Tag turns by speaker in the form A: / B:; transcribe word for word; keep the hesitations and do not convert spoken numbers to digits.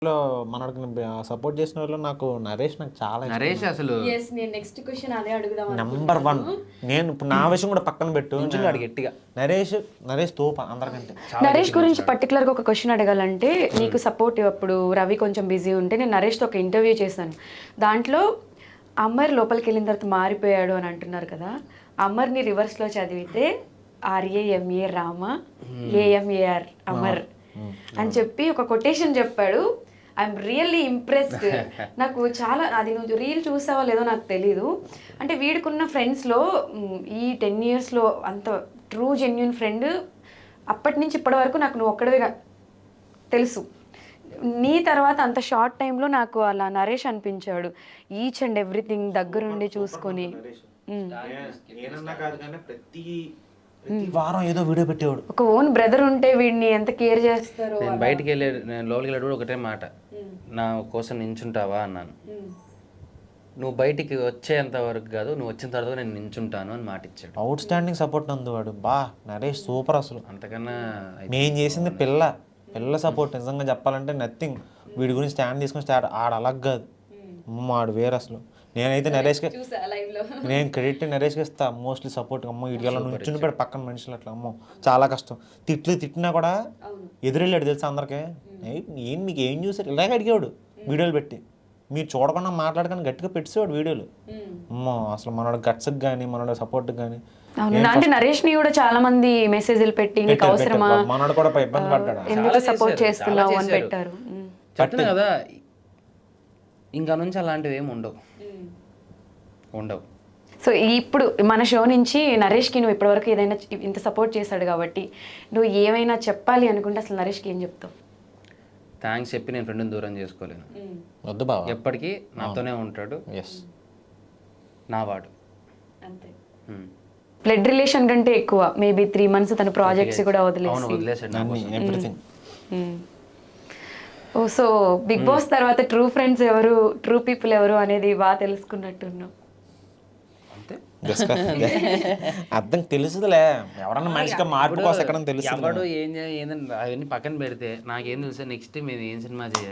A: లో మనకి సపోర్ట్ చేసిన వాళ్ళు నాకు నరేష్ నాకు చాలా
B: నరేష్ అసలు
C: yes నేను నెక్స్ట్ క్వశ్చన్ అదే అడుగుదాం
A: నెంబర్ వన్. నేను ఇప్పుడు నా విషయం కూడా పక్కన పెట్టు,
B: నించున్నాడు గట్టిగా.
A: నరేష్ నరేష్ తోప అందరికంటే.
C: నరేష్ గురించి పర్టికులర్ గా ఒక క్వశ్చన్ అడగాలంటే నీకు సపోర్ట్ అప్పుడు రవి కొంచెం బిజీ ఉంటే నేను నరేష్తో ఒక ఇంటర్వ్యూ చేశాను. దాంట్లో అమర్ లోపలికి వెళ్ళిన తర్వాత మారిపోయాడు అని అంటున్నారు కదా, అమర్ని రివర్స్లో చదివితే ఆర్ఏఎంఏ రామ ఏఎంఏఆర్ అమర్ అని చెప్పి ఒక కొటేషన్ చెప్పాడు. I'm really impressed. నాకు చాలా అది నువ్వు రీల్ చూసావో లేదో నాకు తెలీదు. అంటే వీడికున్న ఫ్రెండ్స్లో ఈ టెన్ ఇయర్స్లో అంత ట్రూ జెన్యున్ ఫ్రెండ్ అప్పటి నుంచి ఇప్పటి వరకు నాకు నువ్వు ఒక్కడవే తెలుసు. నీ తర్వాత అంత షార్ట్ టైంలో నాకు అలా నరేష్ అనిపించాడు. ఈచ్ అండ్ ఎవ్రీథింగ్ దగ్గరుండి చూసుకొని
A: ప్రతి వారం ఏదో వీడియో పెట్టేవాడు.
C: ఒక ఓన్ బ్రదర్ ఉంటే వీడిని ఎంత కేర్ చేస్తారో.
B: నేను బయటికి వెళ్ళే నేను లోపలికి వెళ్ళేటప్పుడు ఒకటే మాట, నా కోసం నించుంటావా అన్నాను. నువ్వు బయటికి వచ్చేంత వరకు కాదు, నువ్వు వచ్చిన తర్వాత నేను నించుంటాను అని మాట ఇచ్చాడు.
A: అవుట్ స్టాండింగ్ సపోర్ట్ నందు వాడు. బా నరేష్ సూపర్ అసలు.
B: అంతకన్నా
A: నేను చేసింది పిల్ల పిల్ల సపోర్ట్. నిజంగా చెప్పాలంటే నథింగ్. వీడి గురించి స్టాండ్ తీసుకొని స్టార్ట్ ఆడ అలాగ కాదు, ఆడు వేరు అసలు. నేనైతే నరేష్కి నేను క్రెడిట్ నరేష్కి ఇస్తా మోస్ట్లీ సపోర్ట్. అమ్మో వీడియోలో నుంచుని పెట్టి పక్కన మనుషులు అట్లా అమ్మో చాలా కష్టం. తిట్లు తిట్టినా కూడా ఎదురెళ్ళాడు తెలుసా అందరికీ. ఏం మీకు ఏం చూసారు ఇలాగే అడిగేవాడు వీడియోలు పెట్టి. మీరు చూడకుండా మాట్లాడకుండా గట్టిగా పెట్టేవాడు వీడియోలు. అమ్మో అసలు మనోడు గట్స్కి కానీ మనోడు సపోర్ట్కి కానీ.
C: అంటే నరేష్ ని కూడా చాలా మంది మెసేజ్లు పెట్టి నీకు అవసరమా,
A: మనోడు కూడా ఇబ్బంది పడ్డాడు,
C: ఎందుకు సపోర్ట్ చేస్తున్నావు అని పెట్టారు.
B: చెప్తున్నా కదా, ఇంకా నుంచి అలాంటివి ఏమి ఉండవు ఉండవు
C: సో ఇప్పుడు మన షో నుంచి నరేష్కి నువ్వు ఇప్పటివరకు ఏదైనా ఇంత సపోర్ట్ చేశాడు కాబట్టి నువ్వు ఏమైనా చెప్పాలి అనుకుంటే అసలు నరేష్కి ఏం చెప్తావు?
B: థ్యాంక్స్ చెప్పి నేను ఫ్రెండ్ని దూరం చేసుకోలేను.
A: వద్దు బావ,
B: ఎప్పటికీ నాతోనే ఉంటాడు.
A: ఎస్
B: నా వాడు
C: అంతే. బ్లడ్ రిలేషన్ కంటే ఎక్కువ మేబీ త్రీ మంత్స్ తన ప్రాజెక్ట్స్ కూడా వదిలేసి
B: వదిలేసాడు.
C: ఓ సో బిగ్ బాస్ తర్వాత ట్రూ ఫ్రెండ్స్ ఎవరు, ట్రూ పీపుల్ ఎవరు అనేది బాగా తెలుసుకున్నట్టున్నావు.
A: అర్థం తెలుసుదిలే. ఎవరన్నా మనిషిగా మార్పు కోసం ఎక్కడ తెలుసు.
B: ఎవడు ఏం ఏంటంటే అవన్నీ పక్కన పెడితే నాకేం తెలుసు నెక్స్ట్ మేము ఏం సినిమా చేయాలి.